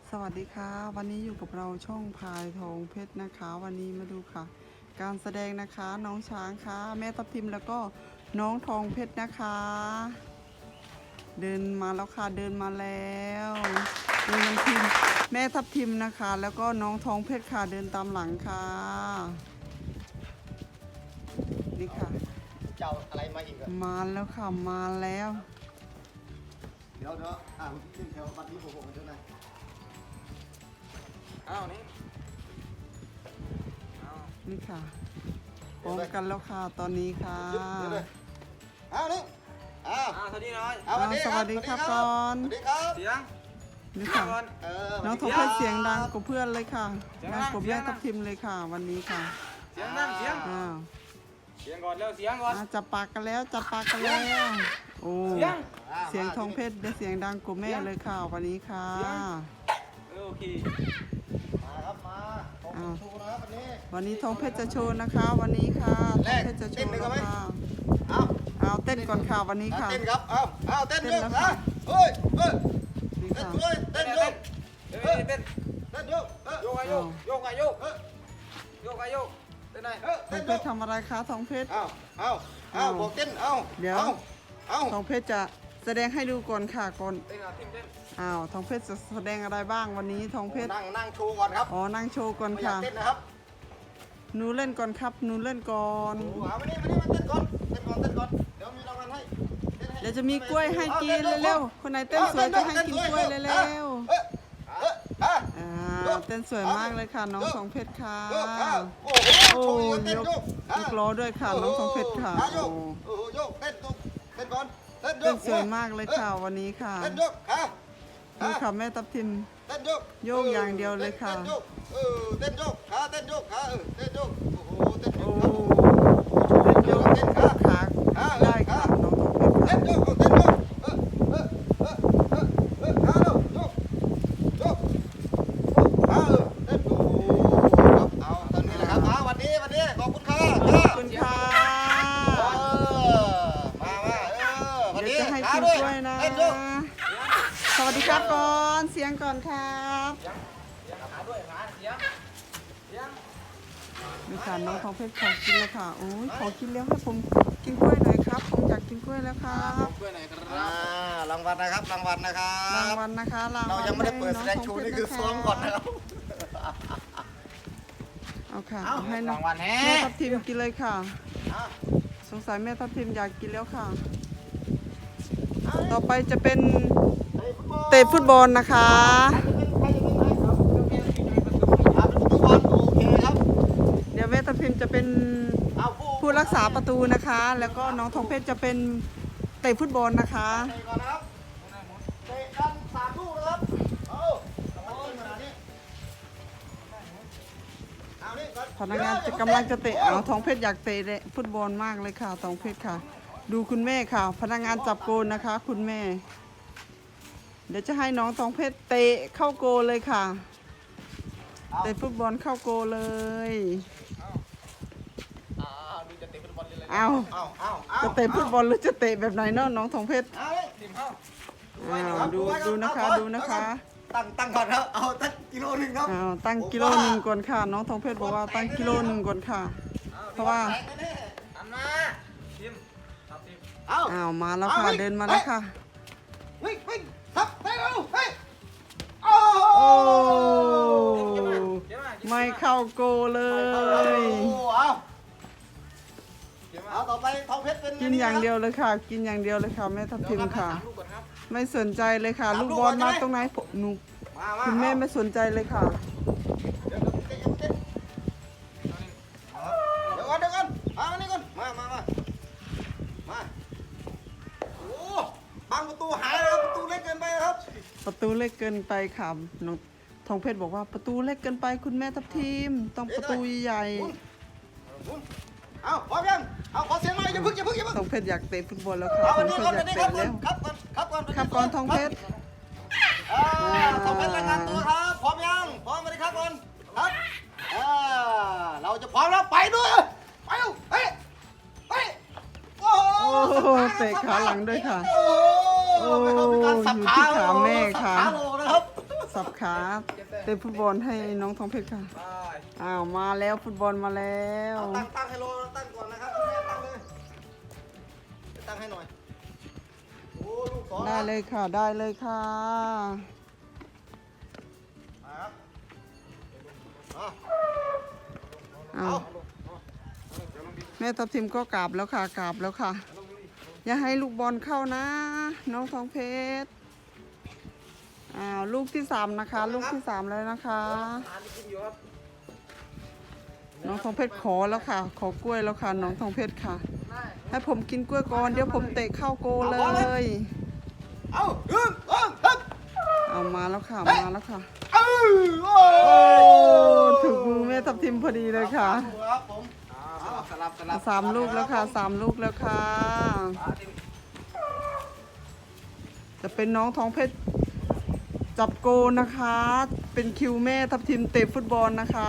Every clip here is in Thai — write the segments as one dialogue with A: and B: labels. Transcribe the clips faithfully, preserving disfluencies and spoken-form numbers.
A: สวัสดีค่ะวันนี้อยู่กับเราช่องพายทองเพชรนะคะวันนี้มาดูค่ะ การแสดงนะคะน้องช้างค่ะแม่ทับทิมแล้วก็น้องทองเพชรนะคะ เดินมาแล้วค่ะเดินมาแล้วดูน้ำทิมแม่ทับทิมนะคะ แล้วก็น้องทองเพชรค่ะเดินตามหลังค่ะนี่ค่ะ
B: เจ้าอะไรมาอีกอะ
A: มาแล้วค่ะมาแล้ว
B: เดี๋ยวเดี๋ยวอ่านขึ้นแถวบัตรนี้ผมบอกกันด้วยนะอ้าวนี่
A: นี่ค่ะพร้อมกันแล้วค่ะตอนนี้ค่ะ
B: อ้าวนี่อ้าว
C: สวัสดีน้อย
B: อ้าวสวัสดีครับ
A: สวัสดีครับก่อน
B: สวัสดีครับ
C: เสียง
A: นี่ค่ะน้องทองเพชรเสียงดังกว่าเพื่อนเลยค่ะ
C: เสียง
A: ดั
C: ดั
A: ง
C: ง
A: กว่าแม่ทับทิมเลยค่ะ วันนี้ค่ะ
C: เสียงนั่งเสียง
A: อ้าว
C: เสียงก่อนเร็วเสียงก่อน
A: อ่าจับปากกันแล้วจับปากกันแล้วโอ้
C: เสียง
A: เสียงทองเพชรได้เสียงดังกว่าแม่เลยค่ะวันนี้ค่ะ
C: โอเค
B: มาครับมาของชูนะครับวันนี้
A: วันนี้ทองเพชรจะโชว์นะคะ วันนี้ค่ะทองเพชรจะโชว์แล้วค่ะ
B: เอา
A: เอาเต้นก่อนค่ะวันนี้ค่ะ
B: เต้นครับเอาเอาเต้น
A: เต้น
B: เยอะ
A: แล้ว
B: นะ
A: ค่ะ
B: เฮ้ยเฮ้ย
A: นี่
B: เต้น
A: ค่ะ
B: ด้วยเต้นเยอะ
C: เต้นเต้น
B: เต้นเยอะเออ
C: โยกไอโยกโยกไอโยก
B: เออ
C: โยกไอโยกเต้นไหน
B: เออ
A: ทอ
B: เต้
A: ง
B: น
A: เพ
B: เย
A: ช
B: อะ
A: รทำอะไรคะทองเพชร
B: เอาเอาเอาบอกเต้นเอา
A: เดี๋ยว
B: เอาเอา
A: ทองเพชรจะแสดงให้ดูก่อนค่ะก่อน
C: เต้นอ่ะทิมเต้น
A: อ้าวทองเพชรจะแสดงอะไรบ้างวันนี้ทองเพชร
B: นั่งนั่งโชว์ก่อนครับ
A: อ๋อนั่งโชว์ก่อน
B: ไม่อยา
A: ค่ะ
B: กเต้นนะครับ
A: หนูเล่นก่อนครับหนูเล่นก่อน
B: โอ้เอามานี่มานี่มาเต้นก่อนเต้นก่อนเต้นก่อนเดี๋ยวมีรางวัลให้ต้นให้
A: เดี๋ยวจะมีกล้วยให้กินเร็วๆคนไหนเต้นสวยจะให้กินกล้วยเร็ว
B: เอ้ยเอ้ยเอ้ย
A: ๆอ่าเต้นสวยมากเลยค่ะน้องทองเพชรค่ะ
B: โยกอ้าวโอ้
A: โอ้
B: โหโชว์อีกแล้วเต้น
A: ยก
B: โยก
A: ยกล้อด้วยค่ะน้องทองเพชรค่ะ
B: อ่โย
A: โอ้
B: กโอ้โหโยกเต้นโยกเต้นก่อนเต้นโย
A: เต้น
B: ก
A: สวยมากเลยค่ะวันนี้ค่ะ
B: เต้นโยกขา
A: ดูค่ะแม่ทับทิม
B: เต้นโยก
A: โยกอย่างเดียวเลยค่ะ
B: เต้นโยกเออเต้นโยกขาเต้นโยกขาเออเต้นโยกโอ้โหเต้นโย
A: โอ้
B: กครับ
A: เต้นโยก
B: เต้นขา
A: ขาได้ค่ะน้องทองเพชร
B: เต้
A: ค่ะ
B: นโยกเต้นโยกเออเออเออเออเออขาเร็วโยกโยกขาเออเต้นโอ้โหครับเอาตอนนี้แหละครับเอาวันนี้วันนี้ขอบคุณค่ะ
A: ขอบคุณค่ะ
B: เออมามาเออวัน
A: เดี๋
B: นี้
A: ยวจะให้
B: ขา
A: กิน
B: ด้วย
A: กล้วยนะ
B: เต้นโยก
A: สวัสดีครับก่อนเสียงก่อนครับ
C: เสียงขาด้วยขาเสียงเสียง
A: นี่ค่ะน้องทองเพชรขอกินแล้วค่ะโอ้ยขอกินแล้วให้ผมกินกล้วยหน่อยครับผมอยากกินกล้วยแล้วครับ
C: เพื่อนไหนครับ
B: อ่ารางวัลนะครับรางวัลนะครั
A: ราง
B: บ
A: วัลนะคะรางวัล
B: เรายังไม่ได้เปิดแสดงชูนี่คือซ้อมก่อนนะครับ
A: เอาค่ะ
B: เอา
A: เอาให้น้
C: รา
A: อง
C: งวัลแฮ่
A: แม่ทับทิมกินเลยค่ะ
B: อ่ะ
A: สงสัยแม่ทับทิมอยากกินแล้วค่ะ ต่อไปจะเป็นเตะฟุตบอลนะคะ
B: ใครจะเป็นใครครับอ่าเป็นประตูบอลโอเคครับ
A: เดี๋ยวแม่ทับทิมจะเป็น
B: เอาผู้
A: ผู้รักษาประตูนะคะ แล้วก็น้องทองเพชรจะเป็นเตะฟุตบอลนะคะ
B: เตะก่อนนะครับเตะกันสามลูกนะครับเอาเอาขนาดนี้เอานี่ก่อน
A: พนักงานจะกำลังจะเตะเอาทองเพชรอยากเตะฟุตบอลมากเลยค่ะทองเพชรค่ะ ดูคุณแม่ค่ะ พนักงานจับโกนนะคะ คุณแม่ เดี๋ยวจะให้น้องทองเพชรเตะเข้าโกลเลยค่ะ เตะฟุตบอลเข้าโกลเลย
C: อ่าดูจะเตะฟุตบอลเลย
A: เอา
B: เอาเอาเอา
A: จะเตะฟุตบอลหรือจะเตะแบบไหนเนาะน้องทองเพชร
B: เอาเลย
C: ทิมเข้า
A: อ้าวดูดูนะคะดูนะคะ
B: ตั้งตั้งก่อนครับ เอาตั้งกิโลหนึ่งครับ
A: อ้าวตั้งกิโลหนึ่งก่อนค่ะ น้องทองเพชรบอกว่าตั้งกิโลหนึ่งก่อนค่ะ เพราะว่า
C: อันมาทิมครับทิม
B: เอา
A: อ้าวมาแล้วค่ะเดินมาแล้วค่ะ
B: วิ่งวิ่งทับไปเร็วเฮ้ยโอ้
A: โอ้
C: เก็บมาเก็บมา
A: ไม่เข้าโกเลย
B: เอา
C: เก็บมา
B: เอาต่อไปทองเพชรเป็น
A: กินอย่างเดียวเลยค่ะ กินอย่างเดียวเลยค่ะแม่ทับทิมค่ะ
C: ลูกก่อนครับ
A: ไม่สนใจเลยค่ะ ลูกบอลมาตรงไหนผมหนู
B: มามา
A: คุณแม่ไม่สนใจเลยค่ะ
B: เดี๋ยวเดี๋ยวเดี๋ยวเดี๋ยวเดี๋ยวก่อนเดี๋ยวก่อนมามานี่ก่อนมามามามาโอ้บังประตูหายแล้วประตูเล็กเกินไปครับ
A: ประตูเล็กเกินไปค่ะน้องทองเพชรบอกว่าประตูเล็กเกินไปคุณแม่ทับทิมต้องประตูใหญ่
B: หมุนหมุนเอาพร้อมยังเอาขอเสียงหน่อยอย่าพึ่งอย่าพึ่งอย่าพึ่ง
A: ทองเพชรอยากเตะฟุตบอลแล้วค่ะ
B: เอา
A: ท
B: วั
A: อน ง
B: นี้
A: เพ
B: ก่อ
A: ช
B: น
A: รอ
B: วั
A: ยาน ก
B: นี้
A: เตะ
B: ครับก่อน
A: แล้ว
B: ครับก่อนครับก่อน
A: ครับก่อนทองเพชร
B: อ่าทองเพชรรายงานตัวครับพร้อมยังพร้อมไหมครับก่อนครับอ่าเราจะพร้อมแล้วไปด้วยไปเร็วเฮ้ยเฮ้ยโอ้โห
A: โอ้เตะขาหลังด้วยค่ะ
B: โอ้โหเป็นการสับขา
A: อยู่ที่ขาแม่ค่ะ
B: สับขาโลนะครับ
A: สับขขาเตะฟุตบอลให้น้องทองเพชรค่ะ
C: ไป
A: อ้าวมาแล้วฟุตบอลมาแล้ว
B: เอาตั้งตั้งให้โลตั้งก่อนนะครับคุณแม่ตั้งเลยตั้งให้หน่อยโอ้ลูกสอง
A: ได้เลยค่ะได้เลยค่ะ
B: ครับเอา
A: อ้าวแม่ทับทิมก็กราบแล้วค่ะกราบแล้วค่ะ อย่าให้ลูกบอลเข้านะ น้องทองเพชรอ้าวลูกที่สามนะคะ ลูกที่สามแล้วนะคะ
C: ทานกินอยู่ครับ
A: น้องทองเพชรขอแล้วค่ะ ขอกล้วยแล้วค่ะน้องทองเพชรค่ะ ให้ผมกินกล้วยก่อนเดี๋ยวผมเตะเข้าโกเลย
B: เอาหนึ่งสองสาม
A: เอามาแล้วค่ะมาแล้วค่ะ
B: เออโอ้
A: โอ้ถึงมือแม่ทับทิมพอดีเลยค่ะ
B: ครับผม
C: อ่าสลับสลับสลับ
A: สามลูกแล้วค่ะสามลูกแล้วค่ะ
C: อ่าทิม
A: จะเป็นน้องทองเพชรจับโกนะคะ เป็นคิวแม่ทับทิมเตะฟุตบอลนะคะ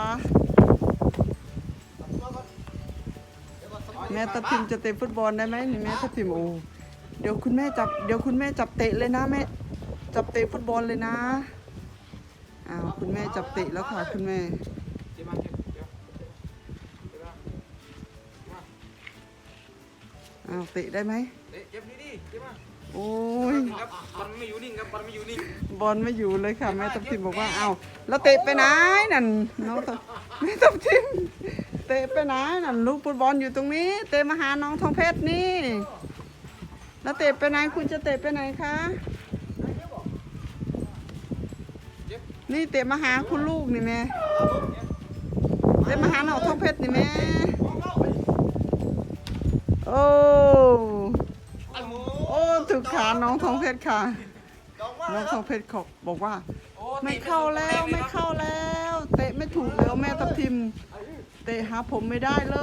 A: แม่ทับทิมจะเตะฟุตบอลได้ไหมนี่แม่ทับทิมโอ้เดี๋ยวคุณแม่จับเดี๋ยวคุณแม่จับเตะเลยนะแม่จับเตะฟุตบอลเลยนะอ้าวคุณแม่จับเตะแล้วค่ะคุณแม่
C: เจ็บมาเจ็บเจ็บเจ็บมา
A: อ้าวเตะได้ไหม
C: เอ๊ะเจ็บนี่ดิเจ็บมา
A: โอ้ย
C: ครับบอลไม่อยู่นิ่งครับบอลไม่อยู่นิ่ง
A: บอลไม่อยู่เลยค่ะแม่ทับทิมบอกว่าเอาแล้วเตะไปไหนนั่นน้องทับแม่ทับทิมเตะไปไหนนั่นลูกฟุตบอลอยู่ตรงนี้ เตะมาหาน้องทองเพชรนี่ แล้วเตะไปไหนคุณจะเตะไปไหนคะนี่เตะมาหาคุณลูกนี่แม่เตะมาหาน้องทองเพชรนี่แม่โอ้โอ้ถูกขาน้องทองเพชรค่ะ น้องทองเพชรเขาบอกว่า
C: โอ้
A: ไม่เข้าแล้วไม่เข้าแล้ว เตะไม่ถูกแล้วแม่ทับทิม เตะหาผมไม่ได้เลย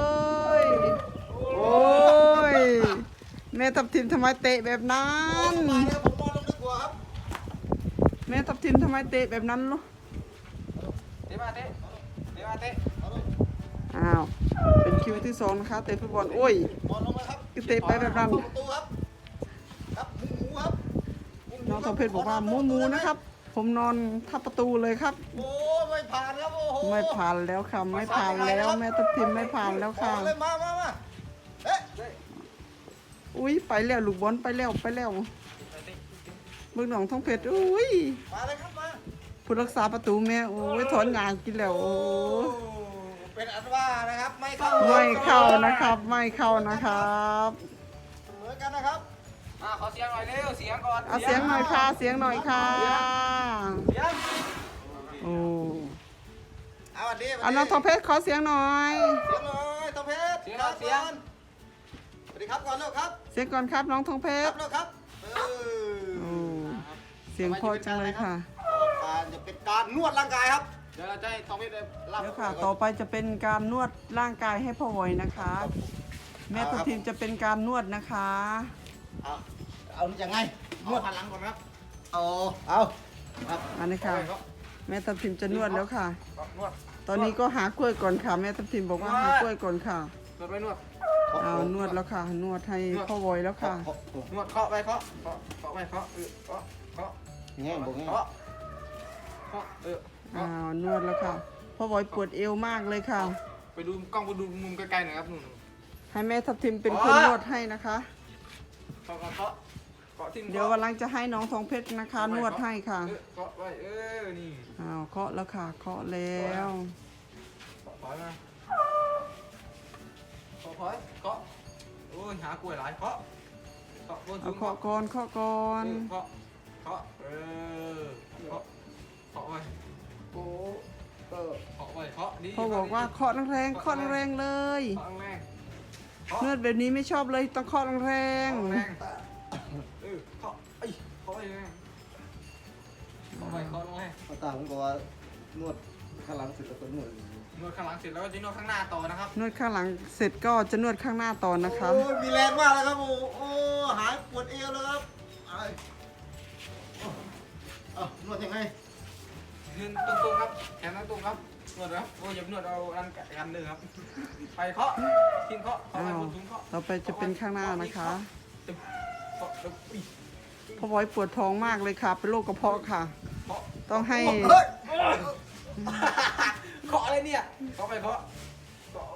A: โอ้ยแม่ทับทิมทำไมเตะแบบนั้น
B: มาแล้วผมนอนลงดีกว่าครับ
A: แม่ทับทิมทำไมเตะแบบนั้นลูก
C: เตะมาเตะเตะมาเตะ
A: อ้าวเป็นคิวที่สองนะคะเตะฟุตบอลโอ้ย
B: นอนลงมาครับ
A: คือเตะไปแบบนั้น
B: ประตูครับครับหมูหมูครับ
A: น้องทองเพชรบอกว่าหมูหมูนะครับ ผมนอนทับประตูเลยครับ
B: โอ้ไม่ผ่านครับโอ้โห
A: ไม่ผ่านแล้วค่ะไม่ผ่านแล้วแม่ทับทิมไม่ผ่านแล้วค่ะ
B: ขอเลยมามามาเอ๊ะ
A: อุ้ยไปแล้วลูกบอลไปแล้วไปแล้วเบิ่งน้องทองเพชรอุ้ย
B: มาเลยครับมา
A: ผู้รักษาประตูแม่โอ้ยถอนยางกินแล้วโอ้ย
B: เป็นอันว่านะครับไม่เข้า
A: ไม่เข้านะครับไม่เข้านะครับ
B: เหมือนกันนะครับ
C: อ่าขอเสียงหน่อยเร็วเสียงก่อน
A: เอาเสียงหน่อยค่ะเสียงหน่อยค่ะ
C: เสียง
A: โอ้
B: เอาวันนี้
A: เอาน้องทองเพชรขอเสียงหน่อย
B: เสียงหน่อยทองเพชรครับก่อนสวัสดีครับก่อนเร็วครับ
A: เสียงก่อนครับน้องทองเพ
B: ครั
A: ช
B: บ
A: ร
B: เร็วครับเออ
A: โอ้เสียงเพอจังเลยค่ะ
B: การจะเป็นการนวดร่างกายครับ
C: เดี๋ยวเราจะให้ตองเพชรเลย
A: เดี๋ยวค่ะ ต่อไปจะเป็นการนวดร่างกายให้พ่อวอยนะคะ แม่ทัพทิมจะเป็นการนวดนะคะ
B: เอาเอาอย่างไงน
C: น
B: ว
C: ว
B: ด
C: ดหันหลังก่อนครับ
B: เอาเอาครับ
A: อันนี้ค่ะ แม่ทัพทิมจะนวดแล้วค่ะ
C: นวด
A: ตอนนี้ก็หากล้วยก่อนค่ะ แม่ทัพทิมบอกว่าหากล้วยก่อนค่ะ
C: นวดไปนวด
A: เอานวดแล้วค่ะ นวดให้พ่อวอยแล้วค่ะ
C: นวดเคาะไปเคาะเคาะเคาะไปเคาะเออเคาะเคาะ
B: แง่บอกแง่
C: เคาะเคาะเออ
A: อ้าวนวดแล้วค่ะพ่อวอยปวดเอวมากเลยค่ะ
C: ไปดูกล้องไปดูมุมไกลๆหน่อยครับนู่น
A: ให้แม่ทัพทิมเป็นคนนวดให้นะคะ
C: เคาะเคาะเคาะเคาะทิ้ง
A: เดี๋ยววันหลังจะให้น้องทองเพชรนะคะ นวดให้ค่ะ
C: เคาะไว้เออนี่
A: อ้าวเคาะแล้วค่ะ เคาะแล้ว
C: เคาะถอยมาเคาะถอยเคาะโอ้ยหากล้วยหลายเคาะเคาะบน
A: เอา
C: สูง
A: เคาะก่อนเคาะก่อน
C: เคาะเคาะเออเคาะเคาะไว้โอ้เออเคาะไว้เคาะดี
A: พ่อบอกว่าเคาะแรงๆเคาะแรงๆเลย
C: เคาะแรง
A: นวดแบบนี้ไม่ชอบเลยต้องเคาะแร
C: เคาะ
A: ง
C: แรงเออเคาะไอ้เคาะไว้แรงเคาะไว้เคาะลงให้
B: ภาษาผมบอกว่านวดข้างหลังเสร็จแล้วก็นวด
C: นวดข้างหลังเสร็จแล้วก็จะนวดข้างหน้าต่อนะครับ
A: ๆนวดข้างหลังเสร็จก็จะนวดข้างหน้าต่อนะคะ
B: โอ้ยมีแรงมากเลยครับโอ้โอ้หายปวดเอวแล้วครับไอ้เอานวดยังไง
C: ยืนตรงๆครับแขนตรงๆครับนวดนะครับโอ้ยอย่านวดเอาอันกันหนึ่งครับไปเคาะทิ้งเคาะเคาะไป
A: อ้าว
C: บนสูงเคาะ
A: ต่อไปจะเป็นข้างหน้านะคะ
C: เคาะแล้วอุ้ย
A: พ่อบอยปวดท้องมากเลยค่ะ เป็นโรคกระเพาะค่ะ
C: เคาะ
A: ต้องให้
B: เฮ้ย
C: เคาะอะไรเนี่ยเคาะไปเคาะเคาะ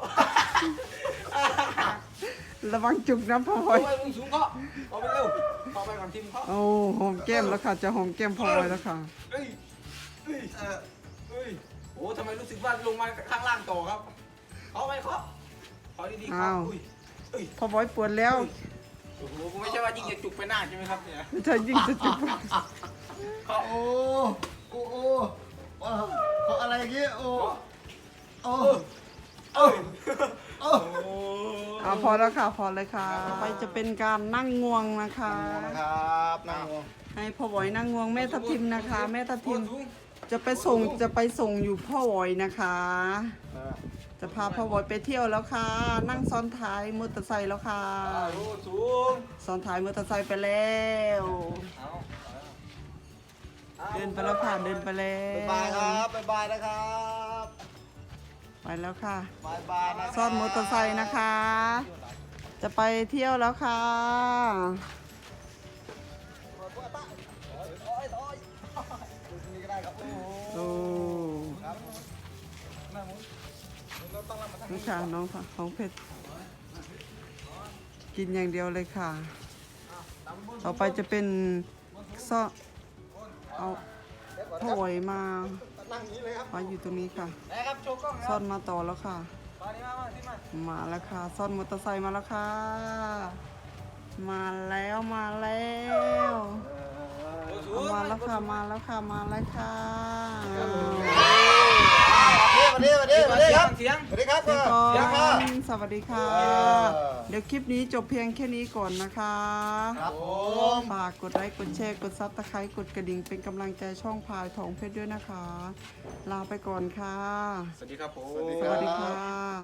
A: ระวังจุกนะพ่อพล
C: โอ้
A: อย
C: ยมึงสูงเคาะเคาะไปเร็วเคาะไปก่อนทีมเคาะ
A: โอ้หอมแก้มแล้วค่ะจะหอมแก้มพ่อพลอยแล้วค่ะ
C: เอ้ยเอ้ยเอ้ยโอ้ทำไมรู้สึกว่าลงมาข้างล่างต่อครับเคาะไปเคาะเคาะดีๆเคาะอุ้ยเอ้ย
A: พ่อพลอยปวดแล้ว
C: โอ้โหไม่ใช่ว่ายิงจะจุกไปหน้าใช่ไหมครับเนี่ย
A: ไม่ใช่ยิ่งจะจุก
C: เคาะ
B: โอ้โอ้โอ้ว้าวเขาอะไรอย่างงี้โอ้โอ้โอ้โอ้
A: อ่าพอแล้วค่ะพอเลยค่ะต่อไปจะเป็นการนั่งงวงนะคะ
B: นะครับนั่งงง
A: ให้พ่อหวอยนั่งงวงแม่ทับทิมนะคะ แม่ทับทิมจะไปส่งจะไปส่งอยู่พ่อหวอยนะคะ จะพาพ่อหวอยไปเที่ยวแล้วค่ะ นั่งซ้อนท้ายมอเตอร์ไซค์แล้วค่ะ
C: โอ้สูง
A: ซ้อนท้ายมอเตอร์ไซค์ไปแล้ว เดินไปแล้วค่ะเดินไปแล้ว
B: บ๊ายบายครับบ๊ายบายนะครับ
A: ไปแล้วค่ะ
B: บายบายนะ
A: ซ่อนมอเตอร์ไซค์นะคะ จะไปเที่ยวแล้วค่ะ
B: นี่ก็ได้ครับโอ้
A: โอ้นี่ค่ะน้องค่ะของเพชรกินอย่างเดียวเลยค่ะ ต่อไปจะเป็นซ่อนเอาพ่อหวยมา
B: นั่งนี้เลยครับ
A: มาอยู่ตรงนี้ค่ะ
C: นะครับโชว์กล้องค
A: ซ่
C: รั
A: อบ นมาต่อแล้วค่ะ
C: มานี่มามาที่มา
A: มาแล้วค่ะ ซ่อนมอเตอร์ไซค์มาแล้วค่ะ มาแล้วมาแล้ว
C: โอ้สู
A: เอา
C: ง
A: มาแล้วค่ะมาแล้วค่ะมาแล้วค่ะ
B: สวัสดีสวัสดีสวัสดีครับ
C: เสียง
B: สวัสดีครับ
A: พี่ก
B: เดี๋ยวค่ะ
A: รสวัสดีค่ะ
B: เออ
A: เดี๋ยวคลิปนี้จบเพียงแค่นี้ก่อนนะคะ
B: ครับผม
A: ฝากกดไลค์กดแชร์กดซับสไครต์กดกระดิ่งเป็นกำลังใจช่องพายทองเพชรด้วยนะคะ ลาไปก่อนค่ะ
C: สวัสดีครับผม
A: สวัสดีค่ะ